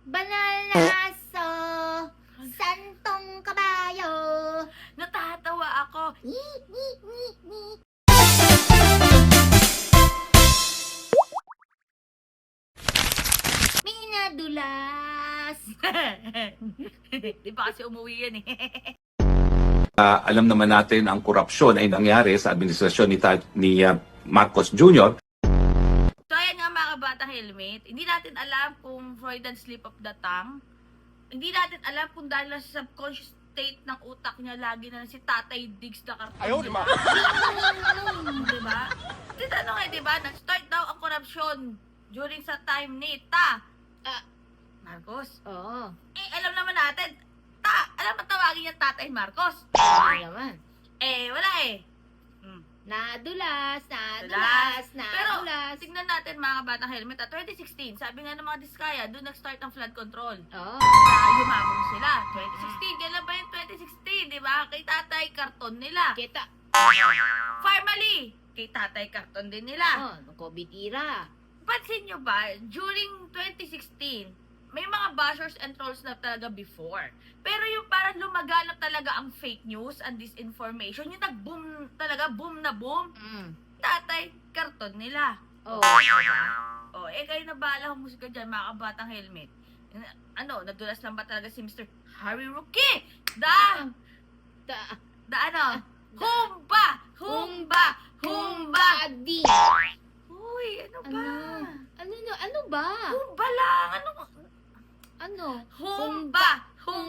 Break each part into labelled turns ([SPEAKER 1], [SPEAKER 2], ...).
[SPEAKER 1] Banal na aso, santong kabayo.
[SPEAKER 2] Natatawa ako.
[SPEAKER 1] Minadulas.
[SPEAKER 2] Di ba kasi umuwi yan eh.
[SPEAKER 3] Alam naman natin ang korupsyon ay nangyari sa administrasyon ni Marcos Jr.
[SPEAKER 2] So ayan nga mga kabatang helmet, hindi natin alam kung Freudian slip of the tongue. Hindi natin alam kung dahil sa subconscious state ng utak niya lagi na lang si Tatay Diggs na karton.
[SPEAKER 4] Ayaw, di ba?
[SPEAKER 2] Diba? Tinanong eh, diba? Nag-start daw ang korupsyon during sa time ni Marcos.
[SPEAKER 1] Oo.
[SPEAKER 2] Alam naman natin, alam mo tawagin yung Tatay Marcos.
[SPEAKER 1] Ano naman?
[SPEAKER 2] Wala eh.
[SPEAKER 1] Nadulas.
[SPEAKER 2] Pero, tignan natin mga kabatang helmet, 2016, sabi nga ng mga Diskaya, doon nag-start ang flood control.
[SPEAKER 1] Oo.
[SPEAKER 2] Yumabong sila. 2016, kailan ba yung 2016, di ba? Kay Tatay, karton nila.
[SPEAKER 1] Kita.
[SPEAKER 2] Formally, kay Tatay, karton din nila.
[SPEAKER 1] COVID era.
[SPEAKER 2] Pansin nyo ba, during 2016, may mga bashers and trolls na talaga before. Pero yung parang lumaganap talaga ang fake news and disinformation, yung nag-boom talaga, boom na boom, Tatay, karton nila.
[SPEAKER 1] Oo.
[SPEAKER 2] Kayo na bahala humusga dyan, mga kabatang helmet. Nadulas lang ba talaga si Mr. Harry Rookie? Humba!
[SPEAKER 1] Adi.
[SPEAKER 2] Uy, ano ba?
[SPEAKER 1] Ano ba?
[SPEAKER 2] Humba lang,
[SPEAKER 1] Ano?
[SPEAKER 2] Humba!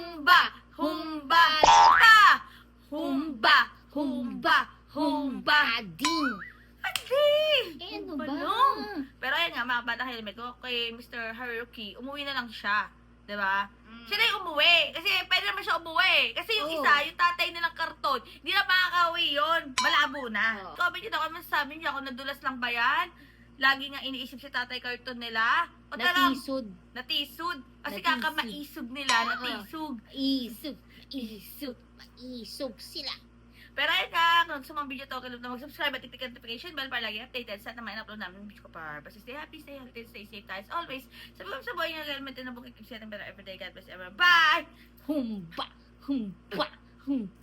[SPEAKER 1] Ading. Ano ba?
[SPEAKER 2] Pero ayan nga, mga batang helmet ko, kay Mr. Haruki, umuwi na lang siya. Diba? Siya na yung umuwi. Kasi pwede naman siya umuwi. Kasi yung isa, yung tatay nilang karton, hindi na makakauwi yun. Malabo na. Comment nyo na kung sabi niya kung nadulas lang ba yan? Lagi nga iniisip si tatay karton nila. O
[SPEAKER 1] Natisod.
[SPEAKER 2] Natisod. Kasi
[SPEAKER 1] Natisod.
[SPEAKER 2] kakamaisog nila. Natisog.
[SPEAKER 1] Maisog sila.
[SPEAKER 2] Pero ayun nga, kung sa mga video to, kalimut na mag-subscribe at titik notification bell para lagi updated sa naman in-upload namin ng video ko para basta stay happy, stay healthy, stay safe tayo as always. Sabi ko sa buhay nyo, helmet na bukit, keep setting better everyday. God bless everyone. Bye!
[SPEAKER 1] Humba.